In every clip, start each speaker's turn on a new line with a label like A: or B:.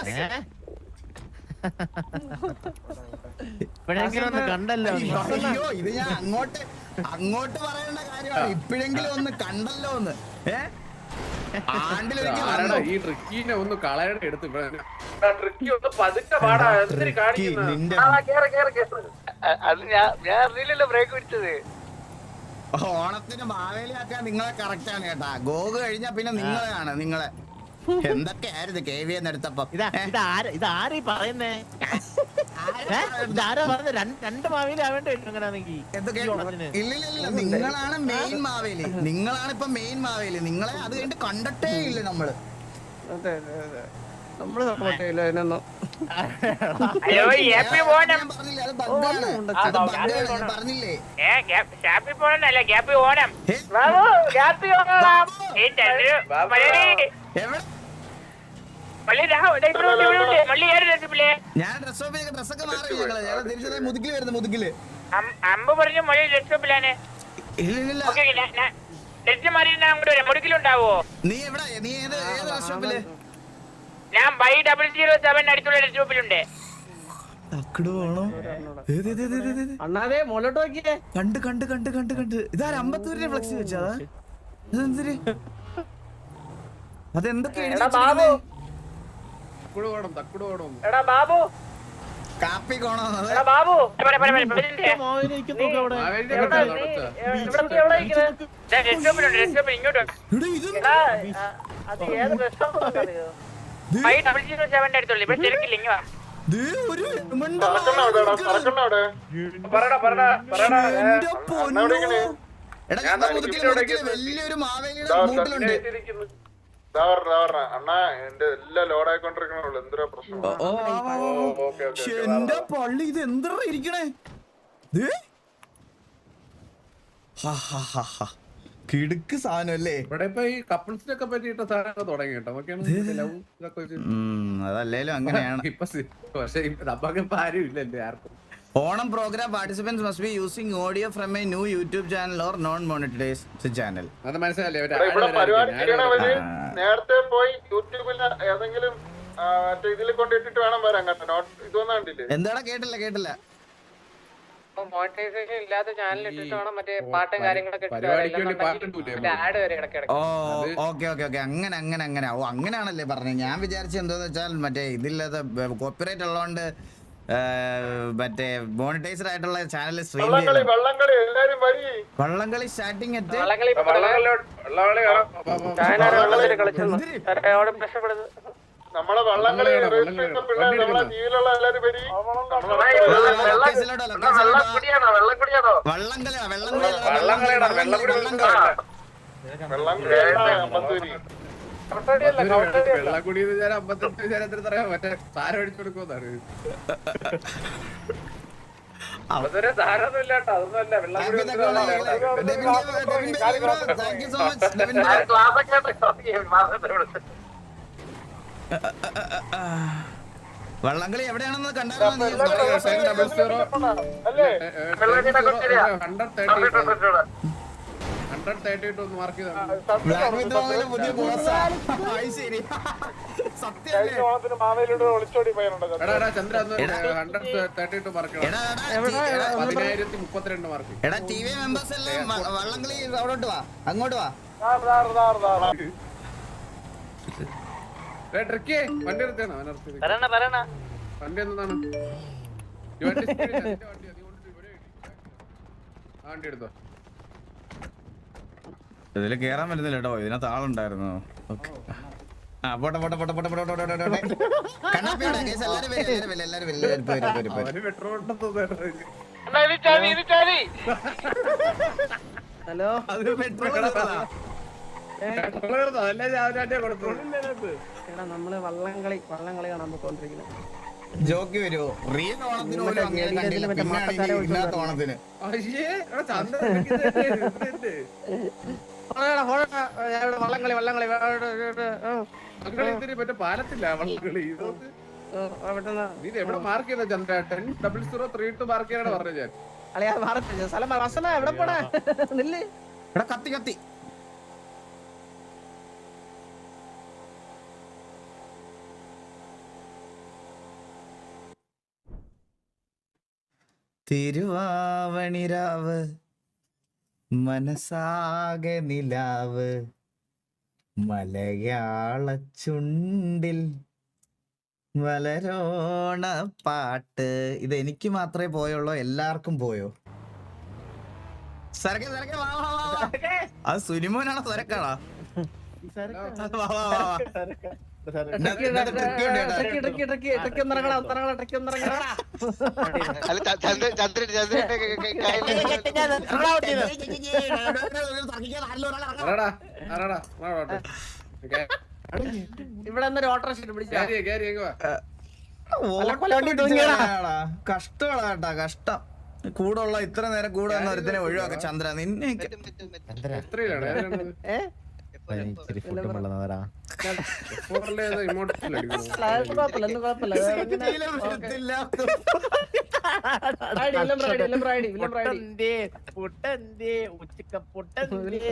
A: ഇപ്പോഴെങ്കിലും ഒന്ന് കണ്ടല്ലോ.
B: അയ്യോ ഇത് ഞാൻ അങ്ങോട്ട് പറയേണ്ട കാര്യമാണ്. ഇപ്പോഴെങ്കിലും ഒന്ന് കണ്ടല്ലോ ഒന്ന്.
C: ഈ ട്രിക്കിനെ ഒന്ന് കളയുടെ എടുത്ത് ട്രിക്കി ഒന്ന് പതുക്കെ പാടാ. എന്തിനു കാണിക്കുന്നു?
D: അത് ഞാൻ അറിയില്ലല്ലോ ബ്രേക്ക് പിടിച്ചത്.
B: ഓണത്തിന് മാവേലിയാക്കാൻ നിങ്ങളെ കറക്റ്റ് ആണ് കേട്ടാ. ഗോഗ് കഴിഞ്ഞാ പിന്നെ നിങ്ങളെയാണ്. നിങ്ങളെ എന്തൊക്കെയായിരുന്നു KV എടുത്തപ്പോ.
A: ഇതാരീ പറയുന്നേ? ഇതാരാ പറഞ്ഞ രണ്ട് മാവേലി ആവേണ്ടി വരും അങ്ങനെയാണെങ്കിൽ.
B: ഇല്ലില്ല നിങ്ങളാണ് മെയിൻ മാവേലി. നിങ്ങളാണ് ഇപ്പൊ മെയിൻ മാവേലി. നിങ്ങളെ അത് കഴിഞ്ഞിട്ട് കണ്ടിട്ടേ ഇല്ല നമ്മള്.
C: നമ്മള് സപ്പോർട്ട് ചെയ്യില്ല അതിനൊന്നും.
B: പറഞ്ഞില്ലേ ഞാൻ ഡ്രസ്സൊക്കെ മാറി തിരിച്ചത് മുതുകില് വരുന്നു. മുതുകില്
E: അമ്പ് പറഞ്ഞു മൊഴി ഡെസ്ക്ടോപ്പിലാണ്. മുടുക്കിലുണ്ടാവോ?
B: നീ എവിടെ? നീ ഏത് ഡ്രസ്സോപ്പില്?
E: ഞാൻ 007 അടുത്തുള്ള ഡെസ്ക്ടോപ്പിലുണ്ട്.
C: അണ്ണാതെ മോളോട്ട് നോക്കിയേ.
B: കണ്ട് ഇതാ അമ്പത്തൂരിന്റെ ഫ്ലക്സ് വെച്ചതാ. ഇതെന്തിന്? അതെന്തൊക്കെയാണ്? കാപ്പി കോണോ?
E: ബാബു ഇങ്ങോട്ട് അടുത്തുള്ള ഇവിടെ തിരക്കില്ല. ഇങ്ങ
B: വലിയൊരു മാവേലിയുടെ മൂട്ടിലുണ്ട്.
F: അണ്ണാ എന്റെ എല്ലാം ലോഡ് ആയിക്കൊണ്ടിരിക്കണുള്ളൂ. എന്തൊരു പ്രശ്നം.
B: എന്റെ പള്ളി ഇത് എന്താ ഇരിക്കണേ? കിടുക്ക് സാധനം അല്ലേ?
C: ഇവിടെ ഇപ്പൊ ഈ കപ്പിൾസിനൊക്കെ പറ്റിയിട്ട് സാധനങ്ങൾ തുടങ്ങി കേട്ടോ.
B: അതല്ലേലും അങ്ങനെയാണ്.
C: പക്ഷെ നമുക്കിപ്പോ ആരും ഇല്ലല്ലേ ആർക്കും.
B: Onam program participants must be using audio from a new YouTube channel or non monetized channel.
C: അത് മനസ്സിലല്ലേ?
F: നേരത്തെ പോയി യൂട്യൂബിൽ ഏതെങ്കിലും ഇതിൽ കൊണ്ടിട്ടിട്ട് വേണം വരാൻ കേട്ടോ. ഇതൊന്നും കണ്ടില്ലേ?
B: എന്താടാ? കേട്ടില്ല.
E: മോണിറ്റൈസേഷൻ ഇല്ലാത്ത ചാനൽ ഇട്ടിട്ട് വേണം മറ്റേ പാട്ടും കാര്യങ്ങളൊക്കെ ആഡ് വരെ ഇടയ്ക്കിടയ്ക്ക്.
B: ഓക്കെ അങ്ങനെ ഓ അങ്ങനെയാണല്ലേ പറഞ്ഞത്. ഞാൻ വിചാരിച്ച എന്താന്ന് വെച്ചാൽ മറ്റേ ഇതില്ലാത്ത കോപ്പിറൈറ്റ് ഉള്ളതുകൊണ്ട് മറ്റേ മോണിറ്റൈസ്ഡ് ആയിട്ടുള്ള ചാനൽ സ്ട്രീം വള്ളംകളി സ്റ്റാർട്ടിങ്
F: നമ്മളെ വള്ളംകളി നമ്മളെ ജീവിലുള്ള എല്ലാരും വരി.
C: വെള്ളക്കുടി വിചാരം 55 വിചാരത്തിന് പറയാം. മറ്റേ സാരം അടിച്ചു കൊടുക്കുമെന്നാണ്. അതൊരു സാരൊന്നും ഇല്ല കേട്ടോ. അതൊന്നും അല്ല.
B: വള്ളംകളി എവിടെയാണെന്ന് കണ്ടാ
F: ഒളിച്ചോടി പോയാലുണ്ടോ?
C: ചന്ദ്ര 132 മാർക്ക്. 1032 മാർക്ക്.
B: എടാ TV മെമ്പേഴ്സ് എല്ലാം വള്ളംകളി അവിടോട്ട് വാ. അങ്ങോട്ട് വാ.
C: ട്രിക്കി വണ്ടി നിർത്തിയാണോ? വണ്ടി എന്താണ്? വണ്ടി എടുത്തോ.
B: ഇതില് കേറാൻ പറ്റുന്നില്ല കേട്ടോ. ഇതിനകത്ത് ആളുണ്ടായിരുന്നു. പോട്ടെ.
C: ഹലോ നമ്മള് വള്ളംകളി കാണാൻ പോയിക്കൊണ്ടിരിക്കുന്നത്.
B: ജോക്ക് വരുമോ? റിയൽ ഓണത്തിന് പോലും അങ്ങനെ കണ്ടില്ല. പിന്നാണ് ഇല്ലാത്ത ഓണത്തിന്.
C: മറ്റേ പാലത്തില്ല വള്ളംകളി. നീ എവിടെ മാർക്ക് ചെയ്ത ചന്ദ്ര? 10-0-3 മാർക്ക് ചെയ്യാനാണ് പറഞ്ഞത് ഞാൻ.
B: എവിടെ പോടാ? കത്തി തിരുവാവണിരാവ് മനസാകെ നിലാവ് മലയാള ചുണ്ടിൽ വളരോണ പാട്ട്. ഇത് എനിക്ക് മാത്രമേ പോയുള്ളൂ, എല്ലാവർക്കും പോയോ? സരക്കെ സരക്കെ വാ വാ വാ. അത് സുനിമോനാണോ സരക്കാണോ? വാ, വാ, വാ, വാ. ഇതിനകത്ത് trick ഉണ്ട് കേട്ടോ.
D: അല്ല ചന്ദ്രൻ
C: ആരാടാ? ആരാടാ? വാ, വാ, വാ. ഓക്കേ.
E: ഇവിടെ ഒരു ഓട്ടോറിക്ഷ പിടിച്ചാ
C: കേറി എങ്ങ് വാ.
B: കഷ്ടമാണ് കേട്ടാ, കഷ്ടം. കൂടെ ഉള്ള ഇത്ര നേരം കൂടെ വന്ന ഒരുത്തിനെ ഒഴിവാക്ക ചന്ദ്ര. നിന്നെ
C: എത്രയിലാണ്? ഏതിലാണത്?
A: ഇച്ചിരി ഫുഡ് വെള്ളതാ.
C: ഫോറിലെ ഏതോ ഇമോട്ടൽ അടിക്കുന്നു.
A: പൊട്ടന്തേ പൊട്ടന്തേ ഉച്ചക്ക പൊട്ടന്തേ.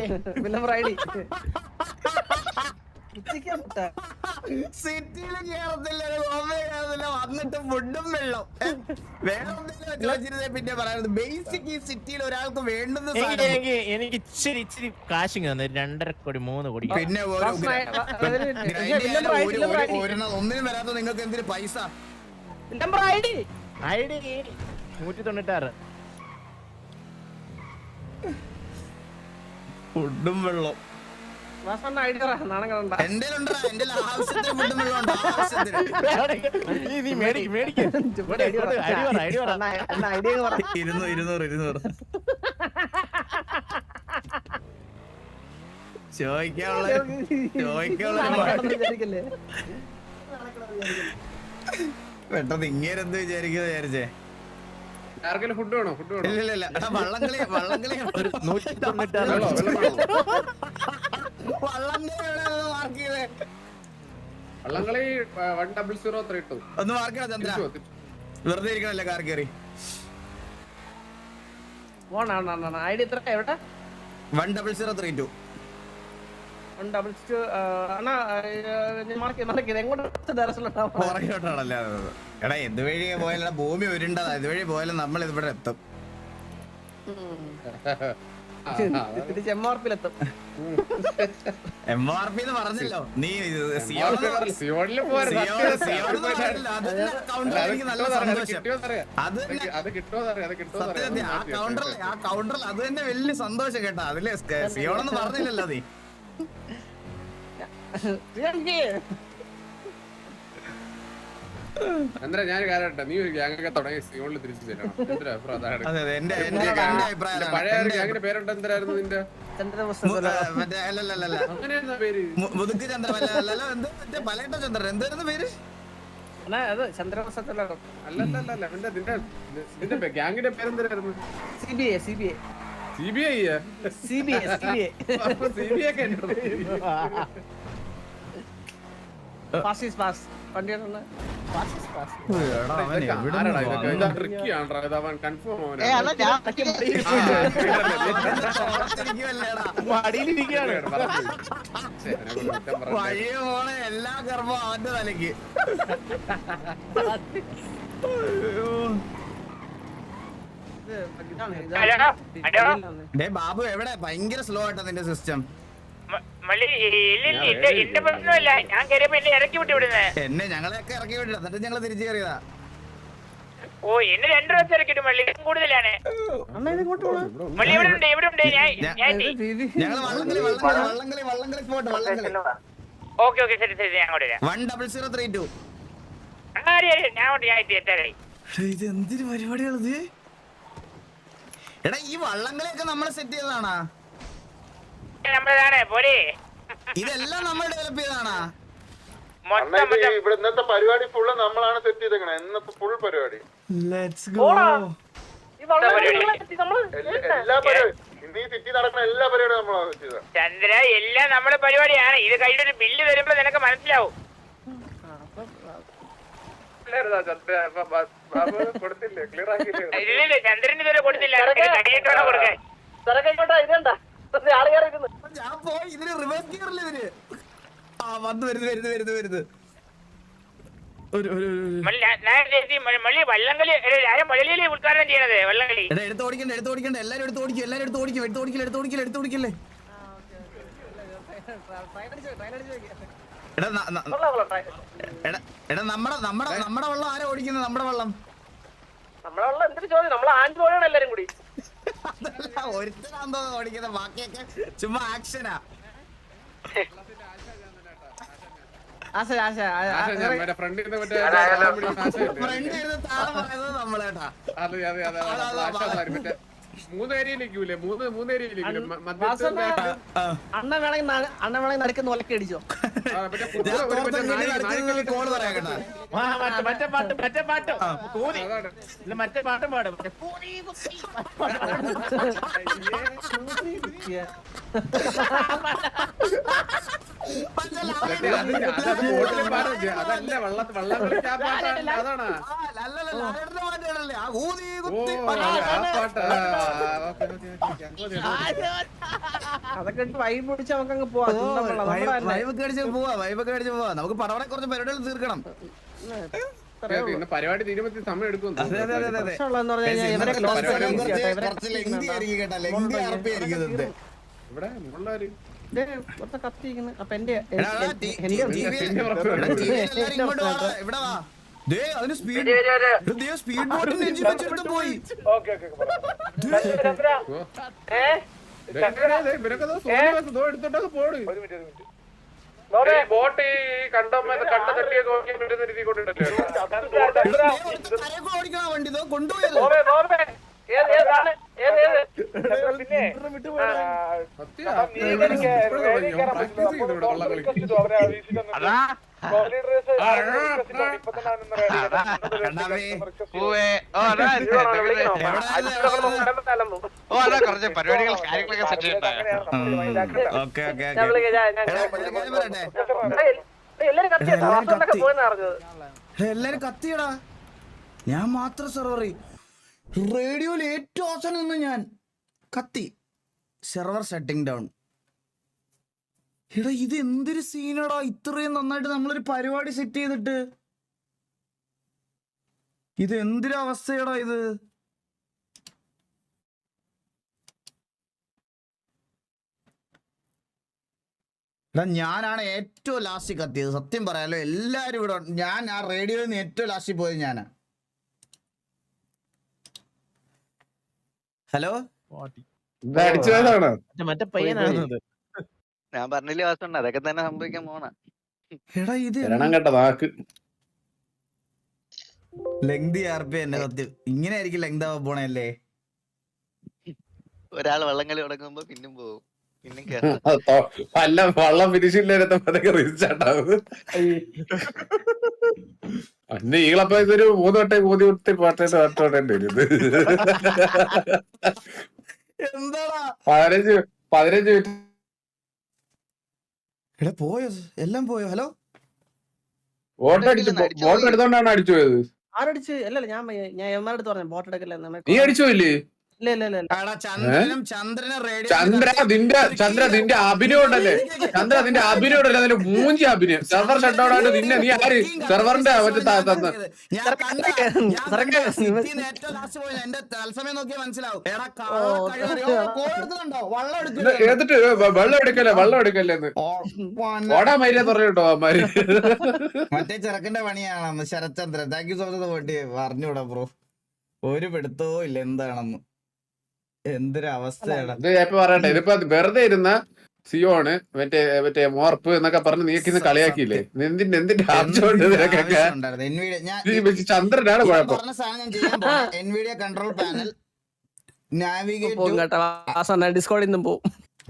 B: സിറ്റിയിലും കേറത്തില്ല, വന്നിട്ട് ഫുഡും വെള്ളം വേറെ ചോദിച്ചിരുന്നേ പിന്നെ പറയുന്നത്. ബേസിക് ഈ സിറ്റിയിൽ ഒരാൾക്ക് വേണ്ടുന്ന
A: എനിക്ക് ഇച്ചിരി ഇച്ചിരി കാശിങ് തന്നെ 2.5 കോടി 3 കോടി.
B: പിന്നെ ഒന്നിനും വരാത്ത നിങ്ങൾക്ക് എന്തിനു പൈസ?
A: ID 196.
B: ഫുഡും വെള്ളം എന്റെ ആവശ്യത്തിന് ഫുഡും വെള്ളം ഉണ്ട്. ആവശ്യത്തിന്
A: നീ മേടിക്ക് മേടിക്ക്.
B: 200 ചോദിക്കാനുള്ള പെട്ടെന്ന് ഇങ്ങേരെന്ത് വിചാരിച്ചേ?
C: ആർക്കെങ്കിലും ഫുഡ് വേണോ? ഫുഡ് വേണോ?
B: ഇല്ല എടാ, വള്ളംകളി
A: ഒരു 196.
C: വെള്ളം
B: മാർക്ക് ചെയ്തേ.
C: വള്ളംകളി 10032.
B: ഒന്ന് മാർക്ക് ചെയ്യണം ചന്ദ്ര, വെറുതെ ഇരിക്കണല്ലേ കാർ കയറി.
E: ഐഡി എത്ര എവിടെ?
B: 10032. പുറകോട്ടാണല്ലേ? എടാ ഇത് വഴി പോയാലും ഭൂമി ഉരുണ്ടതാ, ഇതുവഴി പോയാലും നമ്മൾ ഇവിടെ എത്തും.
E: ചെമ്മാർപ്പിലെത്തും.
B: MRP എന്ന് പറഞ്ഞല്ലോ നീ.
C: സിയോണില് പോരെ.
B: നല്ല സന്തോഷം. അത്
C: അത് കിട്ടുമോന്നറിയാം.
B: ആ കൗണ്ടറിൽ അത് തന്നെ വലിയ സന്തോഷം കേട്ടാ. അതില് സിയോണെന്ന് പറഞ്ഞില്ലല്ലോ നീ.
C: ചന്ദ്ര ഞാൻ കാലട്ടെ, നീ ഒരു ഗ്യാങ്ങൊക്കെ തുടങ്ങി സിയോണിൽ തിരിച്ചു തരണം. എന്തിനാ അതാണ്
B: അതെ എന്റെ അഭിപ്രായം.
C: പഴയ ഒരു ഗ്യാങ്ങിന്റെ പേരുണ്ട്, എന്തായിരുന്നു നിന്റെ?
B: മറ്റേ അല്ലല്ല
C: അങ്ങനെയായിരുന്ന പേര്?
B: മുതുക്ക് ചന്ദ്രൻ അല്ലല്ലോ, എന്ത് മറ്റേ പലയിട്ട ചന്ദ്രൻ, എന്തായിരുന്നു പേര്?
E: ചന്ദ്രവസത്തിലാണ്.
C: അല്ലല്ല നിന്റെ ഗ്യാങ്ങിന്റെ പേരെന്തായിരുന്നു?
E: CBI
B: പഴയ മോളെ എല്ലാ ഗർഭവും അവന്റെ തലക്ക്. ബാബു എവിടെ? ഭയങ്കര സ്ലോ ആയിട്ടാ നിന്റെ സിസ്റ്റം. എന്നെ ഞങ്ങളെയൊക്കെ ഇറക്കി വിട്ടില്ല, എന്നിട്ട് ഞങ്ങള് തിരിച്ചു കയറിയതാ.
G: ഓ എന്നെ 2 പ്രാവശ്യം ഇറക്കിട്ട് മള്ളി കൂടുതലാണ്.
B: ഞങ്ങള് വള്ളംകളി പോട്ടെ.
G: ഓക്കെ ശരി ഞാൻ അങ്ങോട്ട് വരാം.
B: 10032.
G: ഞാൻ എത്താറായി.
B: ഇത് എന്തൊരു പരിപാടിയാണിത്? എടാ ഈ വള്ളംകളിയൊക്കെ നമ്മൾ സെറ്റ് ചെയ്തതാണാ?
G: നമ്മളതാണ് പോരെ.
B: ഇതെല്ലാം നമ്മൾ ഡെവലപ്പ് ചെയ്തതാണാ?
F: ഇവിടെ ഇന്നത്തെ പരിപാടി ഫുള്ള് നമ്മളാണ് സെറ്റ് ചെയ്തേക്കണേ. ഇന്നത്തെ ഫുൾ പരിപാടി
B: ലെറ്റ്സ് ഗോ.
F: എല്ലാ പരിപാടി ഇന്ന് ഈ സിറ്റി നടക്കുന്ന എല്ലാ പരിപാടിയും നമ്മളാണ് സെറ്റ് ചെയ്തത്.
G: ചന്ദ്ര എല്ലാം നമ്മുടെ പരിപാടിയാണ്. ഇത് കഴിഞ്ഞൊരു ബില്ല് വരുമ്പോ നിനക്ക് മനസ്സിലാവും. ഇല്ല ചന്ദ്രന് ഇതുവരെ കൊടുത്തില്ല. കടിയേറ്റാണോ കൊടുക്കാൻ?
B: ഞാൻ പോയി ഇതിന് റിവേഴ്സ് ഗിയറില്ല ഇതിന്. ആ വന്ന് വരുന്നു.
G: മള്ളി വള്ളംകളി ആരും വള്ളിയില് ഉദ്ഘാടനം ചെയ്യണത് വള്ളംകളി.
B: എടാ എടുത്ത് ഓടിക്കണ്ട എല്ലാരും എടുത്ത് ഓടിക്കല്ലേ. എടാ നമ്മടെ വെള്ളം ആരാ ഓടിക്കുന്നത്? നമ്മുടെ വെള്ളം
E: നമ്മളെ വെള്ളം എന്തൊരു ചോദ്യം, നമ്മളെ ആൻഡ് പോയാണ് എല്ലാരും കൂടി.
B: അതല്ല ഒരുത്തനാന്തോ ഓടിക്കുന്നത്, ബാക്കിയൊക്കെ ചുമ്മാ ആക്ഷനാ.
C: ഫ്രണ്ട്
B: താഴെ പറയുന്നത് നമ്മളേട്ടാ.
C: മൂന്ന് ഏരിയയിലേക്കൂലേ മൂന്ന് ഏരിയയിലേക്കൂലേ
E: അണ്ണ വേണമെങ്കിൽ നടക്കുന്ന ഒലക്കെ അടിച്ചോ.
B: കോള് പറയാ കേട്ടാ.
A: മറ്റേ പാട്ട് കൂതി. ഇല്ല, മറ്റേ പാട്ടും പാടും. മറ്റേ കൂതി കുത്തി.
C: അതല്ല വള്ളംകളി അതാണ്.
E: അതൊക്കെ വൈബ് പിടിച്ച് നമുക്ക് അങ്ങ് പോവാം.
B: വൈബൊക്കെ അടിച്ച് പോവാ. നമുക്ക് പടവടെ കുറച്ച് പരിപാടികൾ തീർക്കണം.
C: പരിപാടി തീരുമ്പോ സമയം എടുക്കും.
E: പ്രശ്നമുള്ളതെന്ന് പറഞ്ഞു കഴിഞ്ഞാൽ ഇവരൊക്കെ ലോസ്
B: കുറച്ച് ലെങ്തി ആയിരിക്കും കേട്ടോ. ലെങ്തി അറപ്പി ആയിരിക്കും ഇത്.
C: ഇവിടെ മുകളിലൊരു
E: കത്തിയിരിക്കുന്നു. അപ്പൊ എന്റെ
B: ഇവിടെ വാ. അതിന് സ്പീഡ് ബോട്ടിന് എഞ്ചിൻ വെച്ചെടുത്ത് പോയി.
C: എടുത്തോട്ടൊക്കെ പോട്. ബോട്ട് ഈ കണ്ട തട്ടിയെ നോക്കിയാൽ പറ്റുന്ന രീതി കൊണ്ടിട്ടല്ലേ
B: ഓടിക്കണ വണ്ടി കൊണ്ടുപോയത്.
D: കുറച്ച് പരിപാടികൾ കാര്യങ്ങളൊക്കെ സെറ്റ് ചെയ്യണ്ടായോ?
B: എല്ലാരും കത്തിയടാ. ഞാൻ മാത്രം സെർവർ റേഡിയോയിൽ ഏറ്റവും അവസാനം നിന്ന് ഞാൻ കത്തി. Server setting down. എടാ ഇത് എന്തൊരു സീനടാ. ഇത്രയും നന്നായിട്ട് നമ്മളൊരു പരിപാടി സെറ്റ് ചെയ്തിട്ട് ഇത് എന്തൊരു അവസ്ഥയടാ ഇത്. എടാ ഞാനാണ് ഏറ്റവും ലാസ്റ്റ് കത്തിയത്. സത്യം പറയാലോ, എല്ലാരും ഇവിടെ ഞാൻ ആ റേഡിയോയിൽ നിന്ന് ഏറ്റവും ലാസ്റ്റിൽ പോയത് ഞാനാ. ഹലോ,
A: മറ്റേ പയ്യനാണ്.
D: ഞാൻ പറഞ്ഞില്ലേ വാസുണ്ട്, അതൊക്കെ തന്നെ സംഭവിക്കാൻ പോണ.
B: എടാ ഇത്
C: കേട്ട നാക്ക്
B: ലെങ്തി ആർപ്പി എന്നെ സത്യം. ഇങ്ങനെ ആയിരിക്കും ലെങ്ത് ആവാൻ പോണല്ലേ.
D: ഒരാൾ വള്ളംകളി തുടങ്ങുമ്പോ പിന്നും പോകും, പിന്നും
C: അല്ല വള്ളം ഫിനിഷില്ലാത്ത റീച്ചാണ്ടാവും. അന്ന് ഈളപ്പോ ഇതൊരു 3 വട്ടം കൂതി കുത്തി പാട്ടായിട്ട് പാട്ടോടേണ്ടി വരും.
B: എന്താടാ
C: 15 മിനിറ്റ്.
B: എടാ പോയോ, എല്ലാം പോയോ? ഹലോ,
C: ബോട്ട് എടുത്തോണ്ടാണ് അടിച്ചു പോയത്.
E: ആരടിച്ച്? അല്ലല്ല, ഞാൻ എമ്മാരടുത്ത് പറഞ്ഞു ബോട്ട് എടുക്കല്ലേ.
C: നീ അടിച്ചു പോയില്ലേ?
E: ഇല്ല ഇല്ല ഇല്ല.
C: ചന്ദ്ര നിന്റെ അഭിനയം ഉണ്ടല്ലേ, ചന്ദ്ര നിന്റെ അഭിനയം ഉണ്ടല്ലേ, അതിന്റെ മൂഞ്ചി അഭിനയം. സെർവർ ഷട്ട് ആയിട്ട് നിന്നെ നീ ആര് സെർവറിന്റെ
B: എന്റെ തത്സമയം നോക്കിയാൽ മനസ്സിലാവും.
C: എടുത്തിട്ട് വെള്ളം എടുക്കല്ലേന്ന് ഓടാ മര്യാദ പറഞ്ഞിട്ടോ അമ്മാര്.
B: മറ്റേ ചെറുക്കന്റെ പണിയാണെന്ന് Sarathchandran. Thank you so much വേണ്ടി പറഞ്ഞൂടാ ബ്രോ. ഒരു പിടുത്തവും ഇല്ല എന്താണെന്ന്. എന്തൊരു അവസ്ഥയാണ്
C: പറയട്ടെ. ഇതിപ്പോ വെറുതെ ഇരുന്ന സിയോണ് മറ്റേ മോർപ്പ് എന്നൊക്കെ പറഞ്ഞ് നീക്കിന്ന് കളിയാക്കിയില്ലേ? എന്തിന്റെ ആവശ്യമുണ്ട് ഇതിനൊക്കെ? ചന്ദ്രനാണ് കുഴപ്പം.
B: എൻവിഡിയ കൺട്രോൾ പാനൽ
E: ഡിസ്കോഡിൽ നിന്നും പോവും.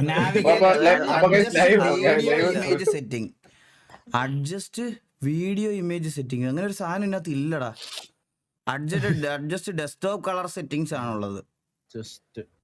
B: Setting, adjust video image setting. അങ്ങനെ ഒരു സാധനം ഇതിനകത്ത് ഇല്ലടാ. അഡ്ജസ്റ്റ് ഡെസ്ക്ടോപ്പ് കളർ സെറ്റിംഗ്സ് ആണുള്ളത്.